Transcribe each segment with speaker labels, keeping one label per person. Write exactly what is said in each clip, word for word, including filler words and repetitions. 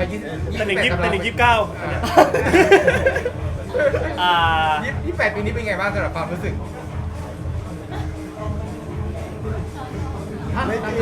Speaker 1: ยี่สิบ
Speaker 2: แต่หนึ่งยี่แต่หนึ่งยี่สิบเก้าอ่า
Speaker 1: ยี่สิบแปดปีนี้เป็นไงบ้างสำหรับความรู้สึกไม่ดี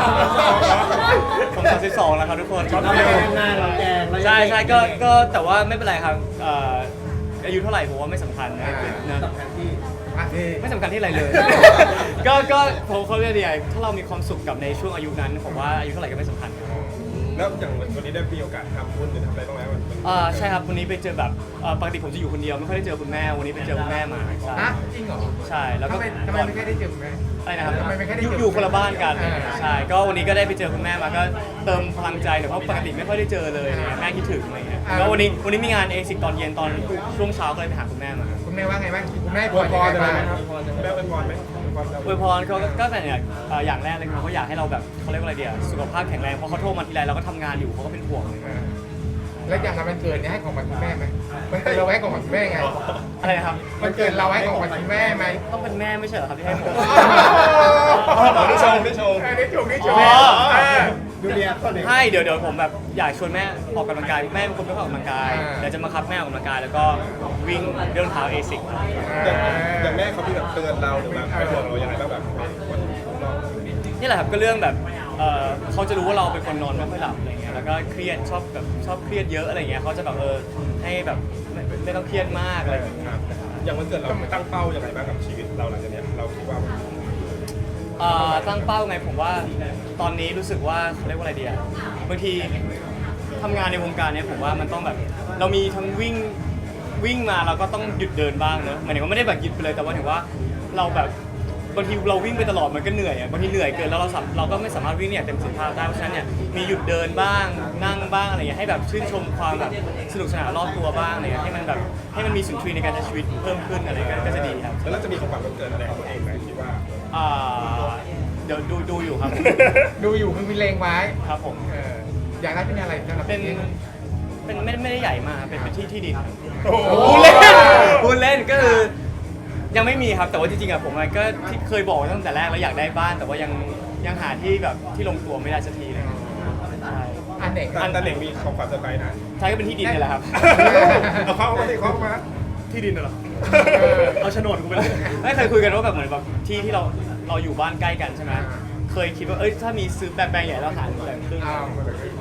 Speaker 2: ผมสามสิบสองแล้วครับทุกคน
Speaker 3: เราแกงหน้าเราแกง
Speaker 2: ใช่ใช่ก็ก็แต่ว่าไม่เป็นไรครับเอ่ออายุเท่าไหร่ผมว่าไม่สำคัญนะนะ
Speaker 3: สำคัญที่
Speaker 1: อ่ะนี่
Speaker 2: ไม่สำคัญที่อะไรเลย ก็ก็ผมเขาเรียกดีไงถ้าเรามีความสุขกับในช่วงอายุนั้นผมว่าอายุเท่าไหร่ก็ไม่สำคัญครับ
Speaker 4: แล้วอย่างวันนี้ได้มีโอกาสทำบุญหรือทำอะไรบ้างไหมวันนี้
Speaker 2: อ่าใช่ครับวันนี้ไปเจอแบบเอ่อปกติผมจะอยู่คนเดียวไม่ค่อยได้เจอคุณแม่วันนี้ไปเจอคุณแม่มาใช่
Speaker 1: ฮะจริงเหรอ
Speaker 2: ใช่แล้วก็
Speaker 1: ทำไมทำไมไม่ค่อยได้เจอคุณแม่
Speaker 2: อะไรนะครับ
Speaker 1: ทำไมไม่ค่อยได้
Speaker 2: อยู่
Speaker 1: เจอ
Speaker 2: อยู่คนละบ้านกัน
Speaker 1: อ่า
Speaker 2: ใช่ก็วันนี้ก็ได้ไปเจอคุณแม่มาก็เติมพลังใจหน่อยเพราะปกติไม่ค่อยได้เจอเลยอะไรเงี้ยแม่คิดถึงอะไรเงี้ยก็วันนี้วันนี้มีงานเอซิกตอนเย็นตอนช่วงเช้าก็เลยไปหาคุณแม่มา
Speaker 1: คุณแม่ว่าไงบ้างคุณแม่
Speaker 4: อวยพร
Speaker 1: ยั
Speaker 4: อะไร
Speaker 1: ง
Speaker 4: ไหม
Speaker 1: ไง
Speaker 4: ค
Speaker 1: บ้า
Speaker 4: รับ
Speaker 1: ง
Speaker 4: แม่เป็นพรไหมอวยพรเรา
Speaker 2: อวยพรเขาก็ก็แต่เนี่ยเอ่ออย่างแรกเลยคือเขาอยากให้เราแบบเขาเรียกว่าอะไรเดียสุขภาพแข็งแรงเพราะเขาโทรมาทีไรเราก็ทำงานอยู่เขาก็เป็นห่วงเลย
Speaker 1: เออแล้วอย่างวันเกิดเนี่ยให้ของขวัญคุณแม่ไหมมันเกิดเราให้ของขวัญคุณแม่ไง
Speaker 2: อะไรนะครับ
Speaker 1: มันเกิดเราให้ของขวัญคุณแม่ไหม
Speaker 2: ต้องเป็นแม่ไม่ใช่เหรอครับที่ให้ผม
Speaker 4: ได้ชมได้ชม
Speaker 1: เออได้ชมได้ชม
Speaker 2: อ๋อ
Speaker 1: เออ
Speaker 4: ดูเรียเขาเด็ก
Speaker 2: ให้เดี๋ยวเดี๋ยวผมแบบอยากชวนแม่ออกกำลังกายแม่เป็นคนไม่ค่อยออกกำลังกาย
Speaker 1: อ่า
Speaker 2: เดี๋ยวจะมาคับแม่ออกกำลังกายแล้วก็วิ่งเดินเท้าเอซิก
Speaker 4: อย่างอย่างแม่เขามีแบบเตือนเราหรือแบบเป็นห่วงเรายังไงบ้างแบบวันน้อง
Speaker 2: นี่แหละครับก็เรื่องแบบเอ่อเขาจะรู้ว่าเราเป็นคนนอนไม่ค่อยหลับอะไรเงี้ยแล้วก็เครียดชอบแบบชอบเครียดเยอะอะไรเงี้ยเขาจะแบบเออให้แบบไม่ไม่ต้องเครียดมากอะไรอย่างเงี้ย
Speaker 4: ครับอย่างวันเกิดเราตั้งเป้ายังไงบ้างกับชีวิตเราหลังจากเนี้ยเราคิดว่า
Speaker 2: เอ่อตั้งเป้าไงผมว่าตอนนี้รู้สึกว่าเขาเรียกว่าอะไรดีอะบางทีทำงานในวงการเนี้ยผมว่ามันต้องแบบเรามีทั้งวิ่งวิ่งมาเราก็ต้องหยุดเดินบ้างเนอะหมายถึงว่าไม่ได้แบบหยุดไปเลยแต่ว่าถึงว่าเราแบบบางทีเราวิ่งไปตลอดมันก็เหนื่อยอะบางทีเหนื่อยเกินแล้วเราสัมเราก็ไม่สามารถวิ่งเนี่ยเต็มประสิทธิภาพได้เพราะฉะนั้นเนี่ยมีหยุดเดินบ้างนั่งบ้างอะไรอย่างเงี้ยให้แบบชื่นชมความแบบสนุกสนานรอบตัวบ้างอะไรเงี้ยให้มันแบบให้มันมีสุนทรีย์ในการใช้ชีวิตเพิ่มขึ้นอะไรก็ก็จะดีครับ
Speaker 4: แล้วเราจะมีของขวัญวันเกิดอะไรของตัวเองไหมคิดว่า
Speaker 2: อ่าเดี๋ยวดูดูอยู่ครับ
Speaker 1: ดูอยู่คือมีเลงไว้
Speaker 2: ครับผม
Speaker 1: เอออยากได้เป็นอะไรสำหรับ
Speaker 2: เป็น
Speaker 1: พี่
Speaker 2: เป็นไม่ไม่ได้ใหญ่มากเป็นเป็นที่ที่ดิน
Speaker 1: โอ้โห
Speaker 2: พูดเล่นพูดเล่นก็คือยังไม่มีครับแต่ว่าจริงๆอะผมก็ที่เคยบอกไว้ตั้งแต่แรกแล้วอยากได้บ้านแต่ว่ายังยังหาที่แบบที่ลงตัวไม่ได้สักทีเลยใช่
Speaker 1: อันไหน
Speaker 4: อันตาเด็กมีของขวัญเซอร์ไพรส์นะ
Speaker 2: ใช่ก็เป็นที่ดินนี่แหละครับ
Speaker 4: เอาเข้ามาดิเข้ามา
Speaker 2: ที่ดินเหรอ
Speaker 1: เออ
Speaker 2: เอาโฉนดกูไปเลยไม่เคยคุยกันว่าแบบเหมือนแบบที่ที่เราเราอยู่บ้านใกล้กันใช่ไหมเคยคิดว่าเอ้ยถ้ามีซื้อแปลงๆใหญ่แล้วหารแบ่งครึ่ง
Speaker 1: อ้าว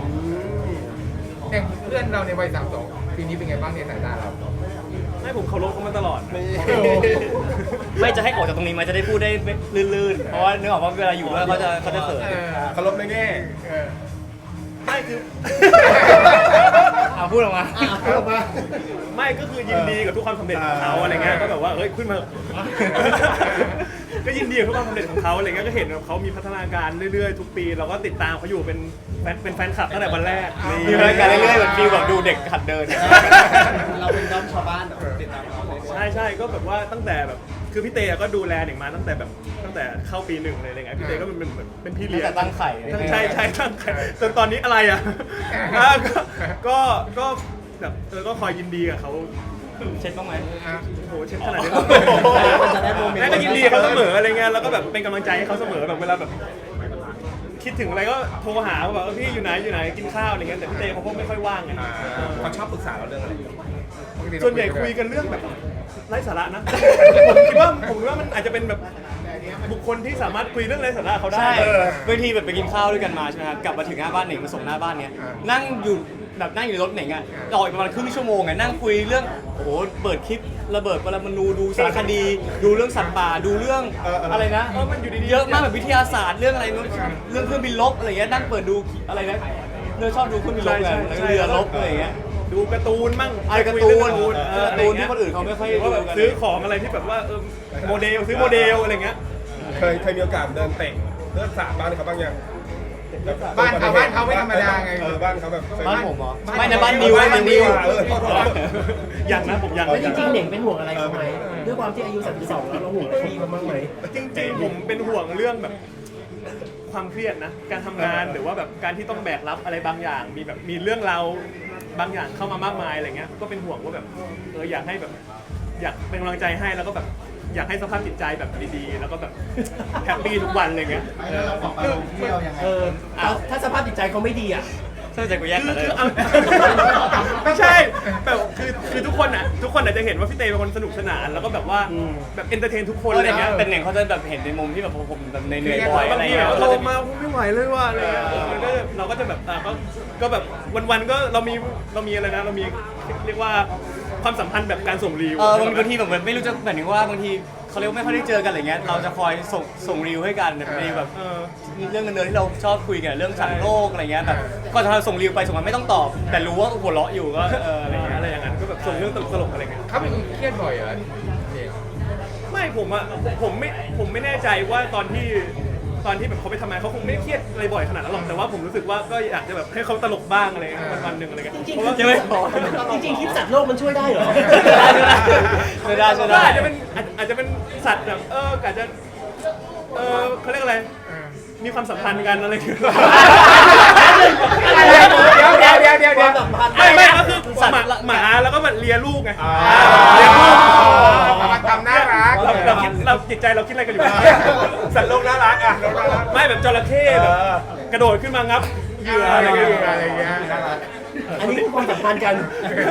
Speaker 1: อย่างเพื่อนเราในวัยสามสองปีนี้เป็นไงบ้างในสายตาเรา
Speaker 2: ให้ผมเคารพเขามาตลอด ไม่จะให้ออกจากตรงนี้มาจะได้พูดได้ลื่นๆ เพราะว่านึกออกว่าเวลาอยู่ด้วยเขาจะเขาจะเขิน
Speaker 1: เออ
Speaker 4: เคารพในแง่
Speaker 1: เออ
Speaker 2: ไม่คือ เอาพูดออกมา
Speaker 3: อ่ะพูดออกมา
Speaker 2: ไม่ก็คือยินดีกับทุกความสำเร็จของเขาอะไรเงี้ยก็แบบว่าเอ้ยขึ้นมา ก็ยินดีกับทุกความสำเร็จของเขาอะไรเงี้ยก็เห็นว่าเขามีพัฒนาการเรื่อยๆทุกปีเราก็ติดตามเขาอยู่เป็นแฟนเป็นแฟนคลับตั้งแต่วันแรกมีพัฒนาการเรื่อยๆเหมือนฟีลแบบดูเด็กหัดเดิน
Speaker 3: เราเป็นด้อมชาวบ้านเหรอติดตามเขาเลย
Speaker 5: ใช่ใช่ก็แบบว่าตั้งแต่แบบคือพี่เตก็ดูแลเด็กมาตั้งแต่แบบตั้งแต่เข้าปีหนึ่งเลยอะไรเงี้ยพี่เตก็เป็นเหมือนเป็นพี่เลี้ยง
Speaker 2: ตั้งแต่ตั้งไข่
Speaker 5: ใช่ใช่ตั้งไข่จนตอนนี้อะไรอ่ะอ่ะก็ก็ก็แบบเออก็คอยยินดีกับเขา
Speaker 2: เช็ดบ้างไหม
Speaker 5: โอ้โหเช่นขนาดนี้
Speaker 3: มันจะได้โมเมนต์
Speaker 5: แม่ก็ยินดีกับเขาเสมออะไรเงี้ยแล้วก็แบบเป็นกำลังใจให้เขาเสมอแบบเวลาแบบ คิดถึงอะไรก็โทรหาว่าแบบเออพี่อยู่ไหนอยู่ไหนกินข้าวอะไรเงี้ยแต่พี่เตเขาก็ไม่ค่อยว่างไง
Speaker 4: อ่าเขาชอบปรึกษาเราเรื่องอะไร
Speaker 5: ส่วนใหญ่คุยกันเรื่องแบบไร้สาระนะ ผมคิดว่าผมคิดว่ามันอาจจะเป็นแบบบุคคลที่สามารถคุยเรื่องไร้สาระเขาได้
Speaker 2: ใช่
Speaker 5: เออบ
Speaker 2: างทีแบบไปกินข้าวด้วยกันมาใช่ไหมครับกลับมาถึงหน้าบ้านเหน่งมาส่งหน้าบ้านเนี้ยนั่งอยู่แบบนั่งอยู่ในรถเหน่งอ่ะรออีกประมาณครึ่งชั่วโมงอ่ะนั่งคุยเรื่องโอ้โหเปิดคลิประเบิดปรมาณูดูสารคดี ดูเรื่องสัตว์ป่าดูเรื่องอะไรนะ
Speaker 5: เออมันอยู่ดีๆ
Speaker 2: เยอะมากแบบวิทยาศาสตร์เรื่องอะไรนู้นเรื่องเครื่องบินลบอะไรเงี้ยนั่งเปิดดูอะไรนะเนื้อชอบดูเครื่องบินลบไงแล้วก็เรือลบอะไรเงี้ย
Speaker 5: ดูการ์ตูนมั่ง
Speaker 2: ไอ้การ์ตูน
Speaker 5: คุยเอง
Speaker 2: เออการ์ตูนที่คนอื่นเขาไม่ค่อย
Speaker 5: หรือว่าแบบ
Speaker 2: ดูกัน
Speaker 5: ซื้อของอะไรที่แบบว่าเออโมเดลซื้อโมเดลอะไรเงี้ย
Speaker 4: เคยเคยมีโอกาสเดินเตะเดินสาบ้านเขาบ้างยัง
Speaker 1: บ้านเขาบ้านเขาไม่ธรรมดาไง
Speaker 4: เออบ้านเขาแบบเคย
Speaker 2: บ้านผมเหรอไม่นะบ้านนิวนะบ้านนิว
Speaker 4: เออโทษโทษ
Speaker 5: อย่างนะผมอย่าง
Speaker 3: แล้วจริงๆเหน่งเป็นห่วงอะไรเขาไหมด้วยความที่อายุสามสิบสองแล้วเราห่วงพี่เขาบ้างไหม
Speaker 5: จริงๆผมเป็นห่วงเรื่องแบบความเครียดนะ การทำงานหรือว่าแบบการที่ต้องแบกรับอะไรบางอย่าง มีแบบมีเรื่องราวบางอย่างเข้ามามากมายอะไรเงี้ยก็เป็นห่วงว่าแบบเอออยากให้แบบอยากเป็นกำลังใจให้แล้วก็แบบอยากให้สภาพจิตใจแบบดีๆ แล้วก็แบบแฮปปี้ทุกวันอะไรเงี้ย
Speaker 3: เออถ้าถ้าสภาพจิตใจเขาไม่ดีอ่ะ
Speaker 2: ตั้งใจกูแยก
Speaker 5: คื
Speaker 2: กั
Speaker 5: อน
Speaker 2: เลย
Speaker 5: คือเอาไม่ใช่แบบคือคือทุกคนอ่ะทุกคนอาจจะเห็นว่าพี่เตเป็นคนสนุกสนานแล้วก็แบบว่าแบบเอนเตอร์เทนทุกคนอะไรเงี้ย
Speaker 2: เป็นหนึ่งเขาจะแบบเห็นในมุมที่แบบผมแบบเหนื่อยๆบ่อย
Speaker 5: บา
Speaker 2: อะ
Speaker 5: ง
Speaker 2: ไร
Speaker 5: ที
Speaker 2: เงี้
Speaker 5: แบ
Speaker 2: ย
Speaker 5: บ
Speaker 2: เขา
Speaker 5: โต
Speaker 2: จะ
Speaker 5: มาไม่ไหวเลยว่ะอะไรเงี้ยมันก็เราก็จะแบบอ่ะก็ก็แบบวันๆก็เรามีเรามีอะไรนะเรามีเรียกว่าความสัมพันธ์แบบการส่งรีว
Speaker 2: เออบางทีแบบเหมือนไม่รู้จะหมายถึงว่าบางทีเขาเรียกว่าไม่ค่อยได้เจอกันอะไรเงี้ยเราจะคอยส่งส่งรีวให้กันแบบในแบบ
Speaker 5: เออ
Speaker 2: เรื่องเงินเดือนที่เราชอบคุยกันเรื่องสัตว์โลกอะไรเงี้ยแบบก็จะส่งรีวไปส่งมาไม่ต้องตอบ แต่รู้ว่าหัวเราะอยู่ก็เออ
Speaker 5: อะ
Speaker 2: อะไร ไร
Speaker 5: เงี้
Speaker 2: เงี้
Speaker 5: ย
Speaker 2: ย
Speaker 5: อะไรอย่างนั้นก็แบบส่งเรื่องตลกๆอะไรเงี้ย
Speaker 1: เขาเป็นคนเครียดบ่อยเหรอเจ
Speaker 5: ไม่ผมอะผมไม่ผมไม่แน่ใจว่าตอนที่ตอนที่แบบเขาไปทำงานเขาคงไม่ได้เครียดอะไรบ่อยขนาดนั้นหรอกแต่ว่าผมรู้สึกว่าก็อยากจะแบบให้เขาตลกบ้างอะไรเงี้ยวันๆหนึ่งอะไรเงี้ย
Speaker 3: จริง
Speaker 5: เพราะว่า
Speaker 2: ใช่ไหม
Speaker 3: ๆจริงๆคลิปสัตว์โลกมันช่วยได้เหรอ
Speaker 2: ช่วยได้ช่วย
Speaker 5: ก็
Speaker 2: ได้
Speaker 5: อาจจะเป็นอาจอาจจะเป็นสัตว์แบบเอออาจจะเออเขาเรียกอะไรมีความสัมพันธ์กันอะไรอย่างเงี้ย
Speaker 1: อะไรเดี๋ยวเดี๋ยวเดี๋ยวเดี๋ยวเดี๋ยว
Speaker 5: ไม่ไม่ก็คือหมาหมาแล้วก็มันเลียลูกไง
Speaker 1: เดี๋
Speaker 5: เลี
Speaker 1: ย
Speaker 5: ยว ลูก
Speaker 1: มันทำน่ารัก
Speaker 5: เราเราคิดเราจิตใจเราคิดอะไรกันอยู่
Speaker 4: สัตว์โลกน่ารักอ่ะโลกน่ารัก
Speaker 5: ไม่แบบจระเข้แบบกระโดดขึ้นมางับเหยื่อ
Speaker 1: อะ
Speaker 5: อะไร ไร
Speaker 1: เงี้
Speaker 5: เงี้
Speaker 1: ย
Speaker 5: ย
Speaker 1: อะไรเงี้ย
Speaker 3: อันนี้คือความสัมพันธ์กัน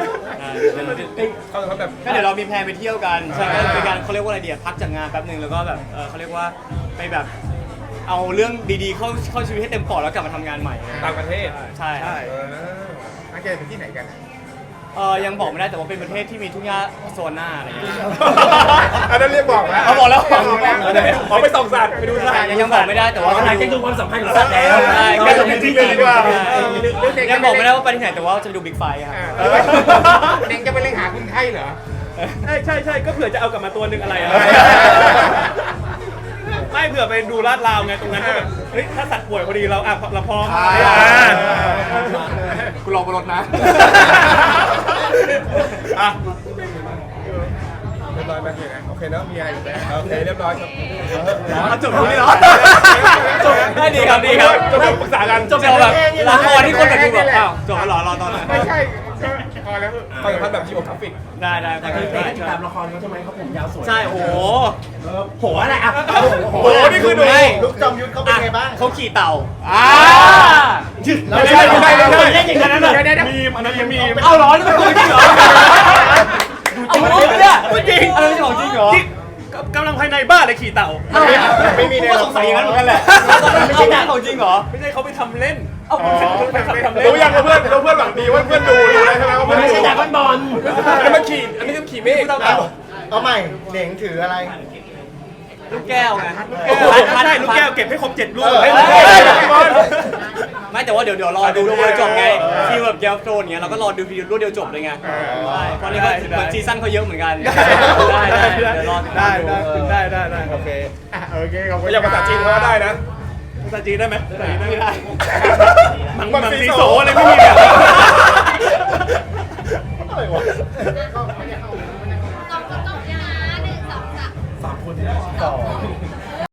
Speaker 4: เขาเขาแบบ
Speaker 2: ก็เดี๋ยวเรามีแพลนไปเที่ยวกันใช่ก็เป็นการเขาเรียกว่าอะไรเดียพักจากงานแป๊บหนึ่งแล้วก็แบบเออเขาเรียกว่าไปแบบเอาเรื่องดีๆเข้าเข้าชีวิตให้เต็มปอดแล้วกลับมาทำงานใหม่
Speaker 4: ต่างประเทศ
Speaker 2: ใช่ครับ
Speaker 4: เออ
Speaker 1: นักเจไปที่ไหนกัน
Speaker 2: เออยังบอกไม่ได้แต่ว่าเป็นประเทศที่มีทุ่งหญ้าโซนหน้าอะไรอย่างเงี้ย
Speaker 4: อันนั้นเรียกบอกแล้ว
Speaker 2: เอาบอกแล้ว
Speaker 4: ขอไปส่องสัตว์ไปดูสัตว์
Speaker 2: ยังยังบอกไม่ได้แต่ว่า
Speaker 3: หลังจากดูความสัมพันธ์ของสัตว์แล้ว
Speaker 2: ใช่
Speaker 3: เรา
Speaker 2: ก็
Speaker 3: จะ
Speaker 2: จะ
Speaker 3: มี
Speaker 2: มี
Speaker 3: ที่
Speaker 2: ที่
Speaker 3: ไหน
Speaker 2: ดี
Speaker 3: ดี
Speaker 2: ก
Speaker 3: ก
Speaker 2: ว่า
Speaker 3: ว่า
Speaker 2: ยังบอกไม่ได้ว่าไปที่ไหนแต่ว่าจะไปดูบิ๊กไฟครับ
Speaker 1: เด็กจะไปเล่นหาคุณไข้เหรอ
Speaker 5: ใช่ใช่ใช่ก็เผื่อจะเอากลับมาตัวหนึ่งอะไรอะไม่เผื่อไปดูลาดราวไงตรงนั้นก็แบบเฮ้ยถ้าสัตว์ป่วยพอดีเราอ่ะเราพร้อม
Speaker 1: อ่า
Speaker 2: กูลองบนรถนะ
Speaker 4: อ่ะเรียบร้อยไหมโอเคเนาะ
Speaker 1: มีอะไรอยู่ไหม
Speaker 4: โอเคเรียบร้อยครับ
Speaker 2: จบนี้เหรอจบได้ดีครับดีครับ
Speaker 4: จบแบบปรึกษากัน
Speaker 2: จบแบบละครที่คนแบบดูแบบอ้าวจบแล้วเหรอรอตอนนั้น
Speaker 1: ไม่ใช่ก็พอแล้ว
Speaker 4: ความสัมพันธ์แบบจีโอกราฟิก
Speaker 2: ได้ได้
Speaker 3: แต่
Speaker 2: ได้
Speaker 3: คือเต้
Speaker 2: ได้
Speaker 3: ติดตามละครเขาใช่ไหมเขาผมยาวสวย
Speaker 2: ใช่โอ้โห
Speaker 3: โหอะไรอ่ะโห
Speaker 4: โอ้โหนี่คือดู
Speaker 2: ไม่
Speaker 4: ลูกจอมยุทธเขาเป็นไงบ้าง
Speaker 2: เขาขี่เต่าอ่า
Speaker 3: ไม่ใช่ไม่ใช่ไม่ใช่เล่นอย่างนั้นเลย
Speaker 5: มีมอันนั้นยังมีม
Speaker 2: เอาเหรอนี่เป็นของจริงเหรอเอาจริงเนี่ยจริงอะไรไม่ใช่ของจริงเหรอ
Speaker 5: ที่กำลังภายในบ้านเลยขี่เต่า
Speaker 4: ไม่มีใน
Speaker 2: ก็สงสัยอย่างนั้นเหมือนกันแหละไม่ใช่หนังของจริงเหรอ
Speaker 5: ไม่ใช่เขาไปทำเล่น
Speaker 2: เอา
Speaker 5: ไปทำทำเล่น
Speaker 4: รู้ยังว่าเพื่อนรู้เพื่อนหวังดีว่าเพื่อนดูรู้เลยใช่ไหมว่า
Speaker 3: มั
Speaker 4: เพื่อน
Speaker 3: ไม่
Speaker 4: ดู
Speaker 3: ใช่ดราก้อนบอล
Speaker 4: อันนี้มันขี่อันนี้มันขี่เมฆ
Speaker 6: เอาใหม่เหน่งถืออะไร
Speaker 2: ลูกแก้วไง
Speaker 5: ใช่ลูกแก้วเก็บให้ครบเจ็ดลูก
Speaker 4: เฮ้ย
Speaker 2: ไม่แต่ว่าเดี๋ยวเดี๋ยวรอดูรวดเดียวจบไงที่แบบเกมโฟนเงี้ยเราก็รอดูวิดีโอรวดเดียวจบเลยไงใช่เพราะนี่ก็เหมือนซีซั่นเขาเยอะเหมือนกันได้ได้เดี๋ยวรอติดตา
Speaker 5: ได้
Speaker 2: มดู
Speaker 5: ได้ได้ได้ได้
Speaker 4: โอเค
Speaker 1: โอเคขอบคุณ
Speaker 4: อย่างภาษาจีนเขาก็ได้นะ
Speaker 5: ภาษาจีนได้ไหมภาษาจีนได้ไหม
Speaker 2: ไม่ได้
Speaker 5: มังมังสีโสอะไรไม่มีเนี่ย